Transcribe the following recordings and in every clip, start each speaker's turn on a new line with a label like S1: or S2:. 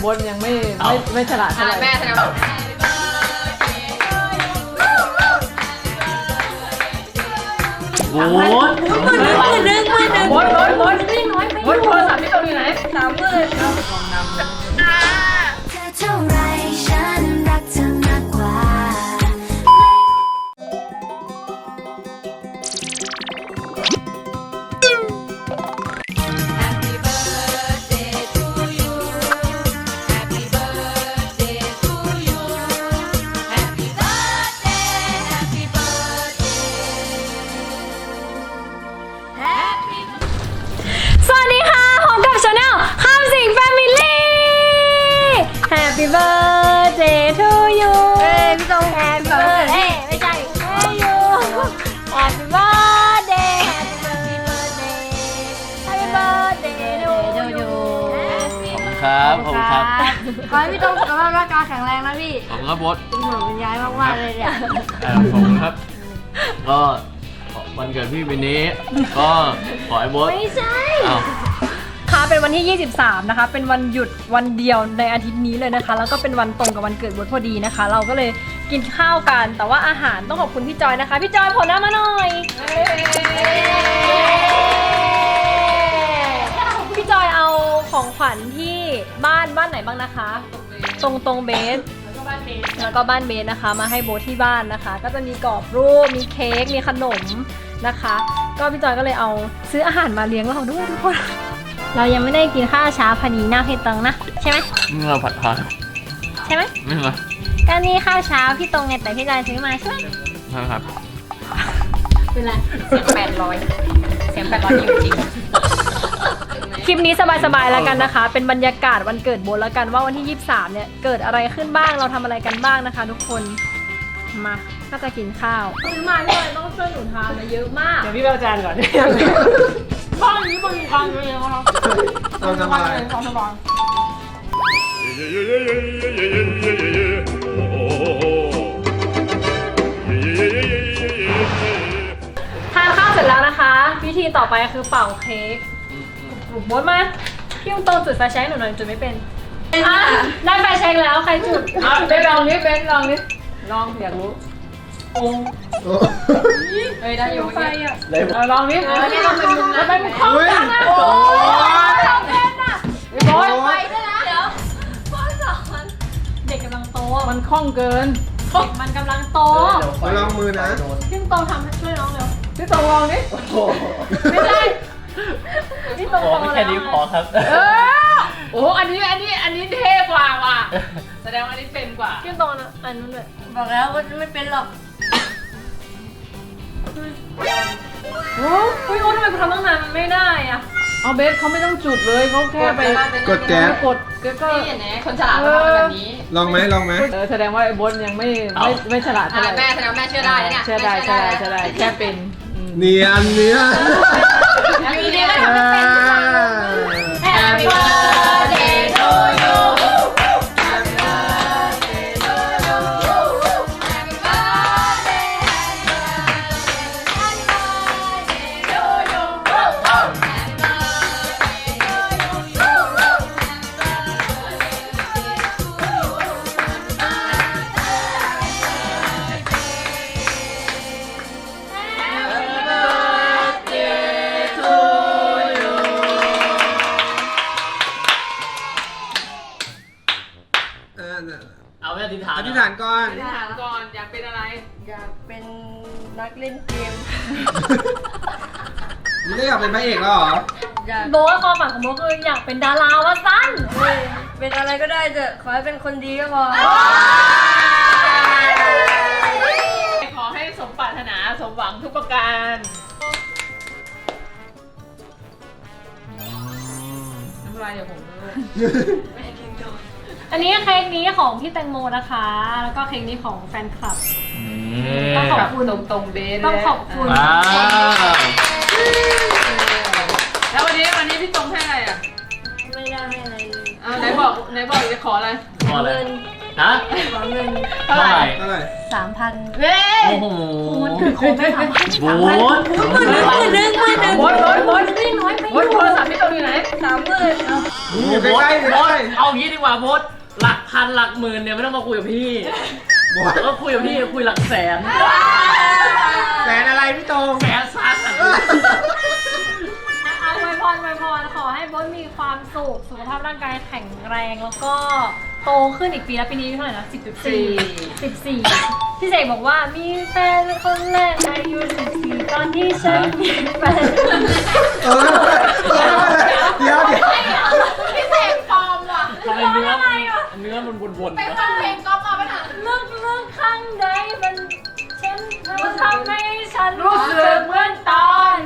S1: บดยังไม่ฉลาดเท่าไหร่
S2: แม่แสดงว่า
S3: โอ้ย
S1: บดโทรศัพท์ที่ตรงอยู่ไหน30,000เอาลองนำ
S4: เท่าไรฉันรักเธอมากกว่า
S5: สวัสดีค่ะพบกับชาแนลข้ามสิงแฟมิลี่ Happy birthday to you พี่ตรง Happy birthday ไม่ใช่ to you Happy birthday Happy birthday to you
S3: ขอบคุณครับ
S5: ขอให้พี่ตรงสุขภาพร่างกายแข็งแรงนะพี่
S3: ขอบคุณครับบด
S5: เป็นห่วงเป็นใยมากๆเลยเนี่ย
S3: ขอบคุณครับ ก็วันเกิดพี่ปีนี้ ก็ขอให้บด
S5: ไม่ใช่
S3: อ้าว
S5: ค่ะเป็นวันที่ 23 นะคะ เป็นวันหยุดวันเดียวในอาทิตย์นี้เลยนะคะ แล้วก็เป็นวันตรงกับวันเกิดบดพอดีนะคะ เราก็เลยกินข้าวกัน แต่ว่าอาหารต้องขอบคุณพี่จอยนะคะ พี่จอยผลหน้ามาหน่อย พี่จอยเอาของขวัญที่บ้านไหนบ้างนะคะ ตรงเบส แล้วก็บ้านเบสนะคะ มาให้โบทที่บ้านนะคะ ก็จะมีกรอบรูป มีเค้ก มีขนมนะคะ ก็พี่จอยก็เลยเอาซื้ออาหารมาเลี้ยงเราด้วยทุกคน เรายังไม่ได้กินข้าวเช้าพอดีหน้าเพตังนะใช่ไหม
S3: นี่เราผัดผัก
S5: ใช่ไหม
S3: ไม่เหรอ
S5: ก็นี่ข้าวเช้าพี่ตรงไงแต่พี่จอยซื้อมาใช่ไหม
S3: ใช่ครับ
S5: เป็นไร
S2: เสียง800จริง
S5: คลิปนี้สบายๆแล้วกันนะคะ เป็นบรรยากาศวันเกิดโบทแล้วกันว่าวันที่ 23 เนี่ยเกิดอะไรขึ้นบ้างเราทำอะไรกันบ้างนะคะ ทุกคนมาก็จะกินข้าวซื้อมาพี่จอยต้องช่วยหนูทานมาเยอะมาก
S1: เดี๋ยวพี่ไปเอาจานก่อนบ้านนี้บริการเยอะครับ
S6: เราสบาย
S1: ความสบาย
S5: ทานข้าวเสร็จแล้วนะคะวิธีต่อไปคือเป่าเค้กโบทมาพี่ตรงจุดไฟแช็กหนูหน่อยจุดไม่เป็นได้ไฟแช็กแล้วใครจุด
S1: เบนลองนี่ลองอยากรู้
S6: โอ้
S2: เฮ้ยได้อยู่
S5: ไฟ
S2: เมื่อกี้
S5: อ่ะ
S1: ลองนี่
S2: นี่เราเป็นมุมนะ
S1: เป็นข้อจังอ่ะ
S6: โอ้
S5: เราเป็นอ่ะ
S1: โบ๊ท
S2: ไปด้วยนะเดี๋ยว
S5: พ่อสอนเด็กกำลังโต
S1: มันคล่องเกิน
S5: เด็กมันกำลังโต
S6: ไปลองมือนะ
S5: พี่ตรงทำให้ช่วยน้องเร็ว
S1: พี่ตรงลองนี่
S5: ไม่ใช่พี่ตรง
S3: ข
S5: โต
S3: อ
S5: แล้ว
S3: แค่นี้พอครับ
S1: โอ้อันนี้เท่กว่าว่ะแสดงว่าอันนี้เป็นกว่า
S5: พี่ตรงนะอันนู้นเลย
S2: บอกแล้วว่าไม่เป็นหรอก
S5: โอ้ยโอ้ทำไมกูทำตั้งนานมันไม่ได้อ่ะ
S1: เอาเบสเขาไม่ต้องจุดเลยเขาแค่ไป
S6: กดแก๊ส
S1: กดก็
S2: นี่เห็นไหมคนฉลาดเขาทำแบบนี้
S6: ลองไหมลองไหม
S1: แสดงว่าไอ้บดยังไม่ฉลาดเท่าไหร่
S2: แม่แสดงว่าแม่เชื่อได้เนี่ย
S1: เชื่อได้แค่เป็น
S6: เนียนเนียน
S2: อยู่ดีไม่ทำไม่เป็น Happy birthday to you Happy birthday to you Happy birthday Happy birthday to you Happy birthday to you
S3: เอาแค่อธิษฐาน
S6: อธิษฐานก่อน
S1: ถามก่อนอยากเป็นอะไร
S5: อยากเป็นนักเล่นเกม
S6: ไม่ได้อยากเป็นพระเอกแล้วเหรอ
S5: โบว่าความฝันของโบคืออยากเป็นดาราวะสั้น
S7: เป็นอะไรก็ได้เถอะขอให้เป็นคนดีก็พอ
S1: ขอให้สมปรารถนาสมหวังทุกประการ น้ำลายเดี๋ยวผมด้วย
S5: อันนี้เค้กนี้ของพี่แตงโมนะคะ แล้วก็เค้กนี้ของแฟนคลับ ต้องขอบคุณ
S1: ตรงเบส
S5: ต้องขอบคุณ
S3: ว้าว
S1: แล้ววันนี้พี่ตรงให้อะไรอ่ะ
S7: ไม่ได้ให้อะไรเลย
S1: อ้าวไหนบอกจะขออะไร
S3: พอเลย
S7: เงิน
S3: ฮะ
S7: ขอเงิน
S3: เท่าไหร่
S6: เท่าไหร่
S7: 3,000
S1: เฮ้ย
S3: โอ้โห
S5: มันเกิดโคไม่ทำให้
S3: โบ๊ท
S1: โบ๊ทนี่น้อยไปโบ๊ทโทรศัพท์พี่ตรงอยู่ไหน
S6: อยู่
S3: โบ๊ท
S6: ใกล้ๆอยู่
S3: โบ๊ท
S6: ใกล้
S3: เอางี้ดีกว่าโบ๊ทหลักพันหลักหมื่นเนี่ยไม่ต้องมาคุยกับพี่
S6: ๆบอส
S3: ก็คุยกับพี่คุยหลักแสน
S6: แสนอะไรพี่ตรง
S3: แสนซัด
S5: เอาไวยพรขอให้โบ๊ทมีความสุขสุขภาพร่างกายแข็งแรงแล้วก็โตขึ้นอีกปีแล้วปีนี้อายุเท่าไหร่นะ14พี่เสกบอกว่ามีแฟนคนแรกอายุ14ตอนที่ฉันมีแฟน
S6: เดี๋ยว
S1: พี่เสกปลอมว่ะ
S3: ทำไมเนื้อมันวนๆ
S1: ไป
S3: นะ
S1: ฟังเพลงก๊อฟมาไหมน่ะ
S5: ลึกข้างในมันทำให้ฉันรู้สึกเหมือนตอน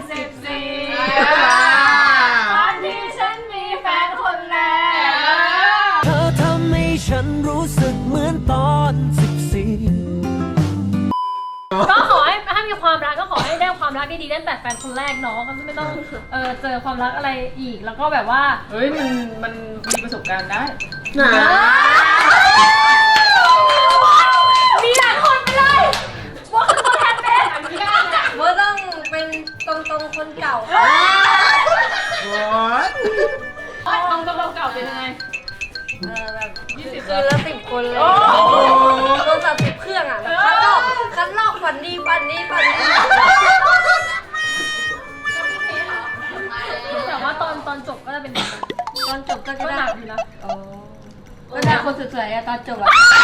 S5: 14ตอนที่ฉันมีแฟนคนแรก
S8: เธอทำให้ฉันรู้สึกเหมือนตอน14
S5: ก็ขอให้มีความรักก็ขอให้ได้ความรักดีๆตั้งแต่แฟนคนแรกเนาะก็ไม่ต้องเจอความรักอะไรอีกแล้วก็แบบว่า
S1: เฮ้ยมันมีประสบการณ์ได้
S6: น่า
S5: มีหลายคนไปเลยว่าคือตัวแทนเป็น
S7: ว่าต้องเป็นตรงๆคนเก่า
S6: บอส
S1: ต้องเก่าเป็นยังไง
S7: แบบ
S1: 20
S7: คืนละ10 คนเลยโทรศัพท์10 เครื่องอ่ะแล้วคัดลอกฝันดีฝันนี้
S5: แต่ว่าตอนจบก็จะเป็นแบบนั้น
S7: ตอนจบก็
S5: ก็
S7: ได้
S5: หนักอยู่นะ
S7: ก็ได้คนสวยๆอะตอนจบอะ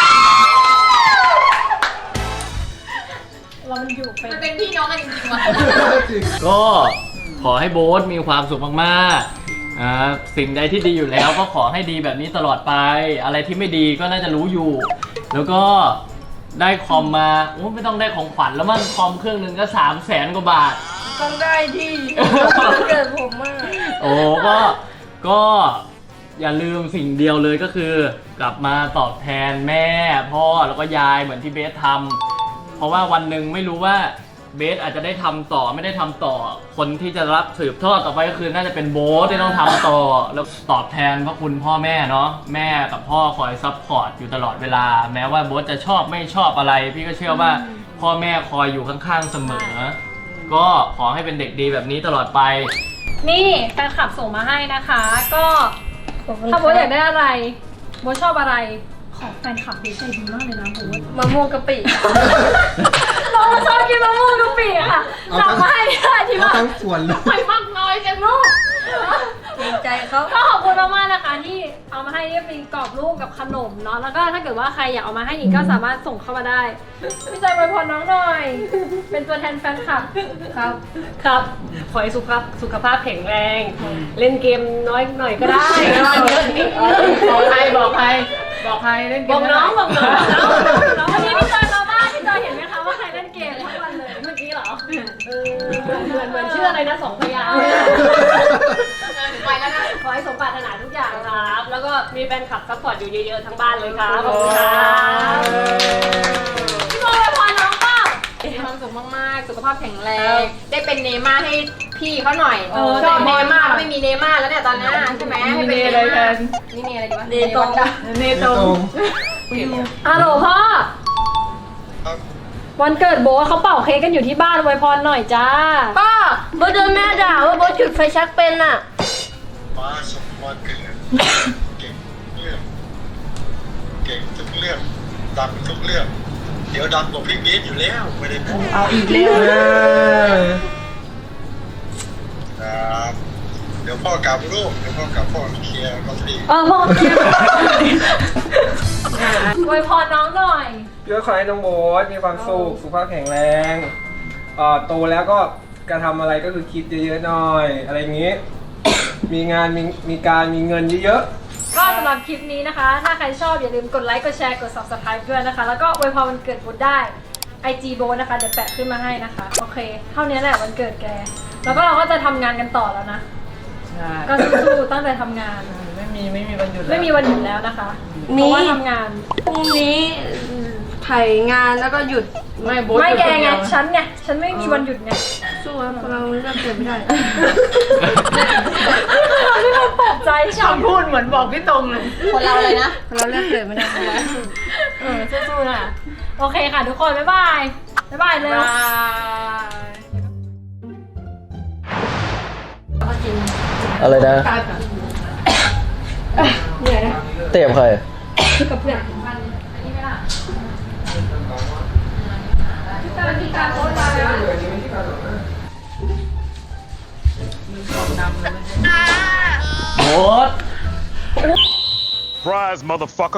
S5: เรามันอยู่เป็น
S1: มันเป็นพี่น้องกันจริงๆว่ะ
S3: ก็ขอให้โบ๊ทมีความสุขมากๆสิ่งใดที่ดีอยู่แล้วก็ขอให้ดีแบบนี้ตลอดไป อะไรที่ไม่ดีก็น่าจะรู้อยู่ แล้วก็ได้คอมมาโอ้ไม่ต้องได้ของขวัญแล้วมั้งคอมเครื่องหนึงก็300,000 กว่าบาท
S7: ต้องได้ที่เกิดผมมาก
S3: โอ้ก็อย่าลืมสิ่งเดียวเลยก็คือกลับมาตอบแทนแม่พ่อแล้วก็ยายเหมือนที่เบสทำเพราะว่าวันหนึ่งไม่รู้ว่าเบสอาจจะได้ทำต่อไม่ได้ทำต่อ คนที่จะรับสืบทอดต่อไปก็คือน่าจะเป็นโบ๊ทที่ต้องทำต่อแล้วตอบแทนพระคุณพ่อแม่เนาะแม่กับพ่อคอยซัพพอร์ตอยู่ตลอดเวลาแม้ว่าโบ๊ทจะชอบไม่ชอบอะไร พี่ก็เชื่อว่าพ่อแม่คอยอยู่ข้างๆเสมอ ก็ขอให้เป็นเด็กดีแบบนี้ตลอดไป
S5: นี่แฟนคลับส่งมาให้นะคะ ก็ถ้าโบ๊ทอยากได้อะไรโบ๊ทชอบอะไรของแฟนคลับเบสใจดีมากเลยนะโบ๊ท
S7: มะม่วงกะปิ
S5: เราชอบกินมะม่วงกะปิค่ะสั่งมาให้ได้ที่
S6: เขา
S5: บ้าน
S6: ทั้งส่วนเลย
S1: ไปมากน้อยจังลูก
S7: เกรงใจเขา
S5: ก็ขอบคุณมากๆนะคะที่เอามาให้เนี่ยเป็นกรอบรูปกับขนมเนาะแล้วก็ถ้าเกิดว่าใครอยากเอามาให้อีกก็สามารถส่งเข้ามาได้พี่ใจอวยพรน้องหน่อย เป็นตัวแทนแฟนคลับ
S7: ครับ
S2: ครับ ขอให้สุขภาพแข็งแรง เล่นเกมน้อยหน่อยก็ได้
S1: บอกใครเล่นเก
S2: บอ
S1: ม
S2: กน้องบอกน้อง
S5: วันนี้พี่จอยมาบ้านพี่จอยเห็นไหมคะว่าใครเล่นเกมทั้งวันเลย
S2: เมื่อกี้เหรอเหมือนชื่ออะไรนะ2 พยางค์
S1: ไปแล้วนะ
S2: ขอให้สมปรารถนาทุกอย่างครับ แล้วก็มีแฟนคลับซัพพอร์ตอยู่เยอะๆทั้งบ้านเลยครับขอบคุณครับ
S5: พี่จอยอวยพรน้องเปล่า
S1: มีความสุขมากๆ สุขภาพแข็งแรง ได้เป็นเนม่าให้พี่เขาหน่อย
S2: ชอบ
S1: เน
S2: เนม่า
S1: ม่าไม่มีเนม่าแล้วเนี่ยตอนนี้ใช่ไหมให้เป็นเนม่านี่เนอะไรดีวะ
S7: เนตรง
S1: เนต
S6: ต
S1: ร
S6: รง ง
S5: ฮัลโหลพ่อวันเกิดโบ๊ทเขาเป่าเค้กกันอยู่ที่บ้านอวยพรหน่อยจ้า
S7: ป้าโบทโดนแม่ด่าว่าโบทจุดไฟชักเป็นอ่ะ
S9: มาสมควรเกิดเก่งเรื่องเก่งทุกเรื่องดังทุกเรื่อง เดี๋ยวดังกว่าพี่เบสอยู่แล้วไม่ได้พูด
S1: เอาอีกแล้ว
S9: ครับเดี๋ยวพ่อกลับลูกเดี๋ยวพ่อกลับพ่อเคลียร์ลอตเตอรี่
S5: พ่ออวยพรน้องหน่อย
S10: พี่ก็ขอให้น้องโบ๊ทมีความสุขสุขภาพแข็งแรงโตแล้วก็การทำอะไรก็คือคิดเยอะๆหน่อย อะไรอย่างนี้ มีงานมีการมีเงินเยอะ
S5: ก็สำหรับคลิปนี้นะคะ ถ้าใครชอบอย่าลืมกดไลค์ กดแชร์ กด subscribe ด้วยนะคะ แล้วก็อวยพรวันเกิดโบ๊ทได้ IG โบ๊ทนะคะ เดี๋ยวแปะขึ้นมาให้นะคะ โอเค เท่านี้แหละวันเกิดแก แล้วก็เราก็จะทำงานกันต่อแล้วนะ
S1: ใช่
S5: ก็สู้ๆตั้งใจทำงาน
S1: ไม่มีวันหยุด
S5: ไม่มีวันหยุดแล้วนะคะ
S7: มี
S5: เพราะว่าทำงาน
S7: พรุ่งนี้ถ่ายงานแล้วก็หยุด
S1: ไม่โบ๊ท
S5: ไม่แก
S1: คน
S5: ไง
S1: เดียว
S5: ฉันไง ฉันไม่มีวันหยุดไง
S7: สู้ๆครับเราเลือกเกิดไม่ได้
S5: ไม่ต้องปลอบใจฉัน
S1: คำพูดเหมือนบอกพี่ตรงเลย
S2: คนเราเลยนะ
S7: เราเลือกเกิดไม่ได้
S5: สู้ๆนะโอเคค่ะทุกคน บ๊ายบาย บ๊ายบายเลย
S3: อะไรนะเตะใคร
S7: กับเพื่อน
S3: โบ๊ท
S9: Surprise motherfucker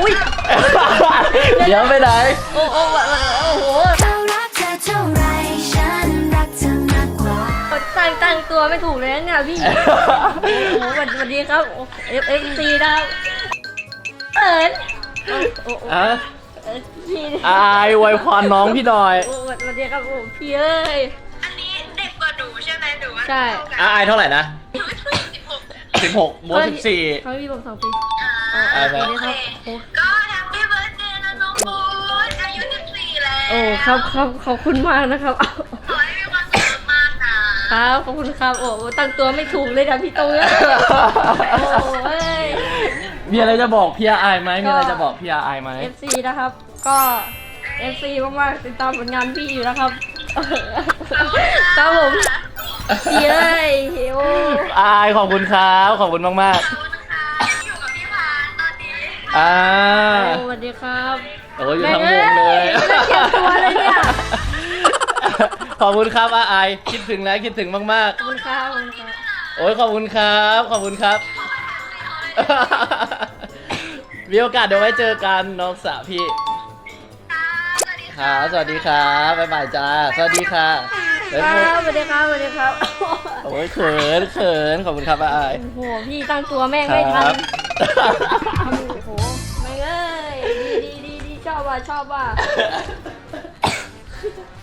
S3: เดี๋ยวไปไหน
S5: โอ้โห
S4: เรารักเธอเท่าไรฉันรักเธอมากกว่า
S5: ตั้งตัวไม่ถูกเลยนะเนี่ยพี่ โอ้โหสวัสดีครับ FFC นะครับเอิญโอ้โห
S3: อ่ะ
S5: พี่
S3: อายไวยพรน้องพี่หน่อย
S5: โอ้สวัสดีครับโอ้พี่เอ้ย
S7: อันนี้เด็กกว่าหนูใช่ไหมหนูว่า
S5: ใช่
S3: อายเท่าไหร่นะ16โบ๊ท14
S5: เขาพี่ผม2 ปี
S3: อ่า
S5: สวัสดีครับโอ้
S7: ก็แฮปปี้เบิร์ดเดย์นะน้องโบ๊ทอายุ14แล้ว
S5: โอ้ครับขอบคุณมากนะครับ
S7: ขอให้มีความสุขมากนะครับ
S5: ขอบคุณครับโอ้ตั้งตัวไม่ถูกเลยนะพี่ตรงเนี่ยโอ้ย
S3: มีอะไรจะบอกพี่อายไหมมีอะไรจะบอกพี่อายไหม
S5: FC นะครับ ก็ FC มากๆติดตามผลงานพี่อยู่นะครับครับผมพี่เอ้ยโอ้
S3: อายขอบคุณครับขอบคุณมาก
S7: ขอบคุณนะคะอยู่กับพี่พานตอนนี้
S3: ๆ
S5: สวัสดีครับ
S3: โอ้ยอยู่ทั้งวงเลย
S5: ไม่ได้เก็บตัวเลยเนี่ย
S3: ขอบคุณครับอายคิดถึงแล้วคิดถึงมาก
S5: ขอบคุณครับขอบคุณครับ
S3: ๆโอ้ยขอบคุณครับขอบคุณครับ มีโอกาสเดี๋ยวไว้เจอกันน้องสาวพี่ครับสวัสดีครับบ๊ายบายจ้าสวัสดีค่ะบ๊ายบาย
S5: สวัสดีครับสวัสดีครับ
S3: โอ้ยเขินขอบคุณครับอาย
S5: โอ้โหพี่ตั้งตัวแม่งไม่ทัน
S3: ครับ
S5: โอ้โหแม่งเอ้ยดีชอบว่ะ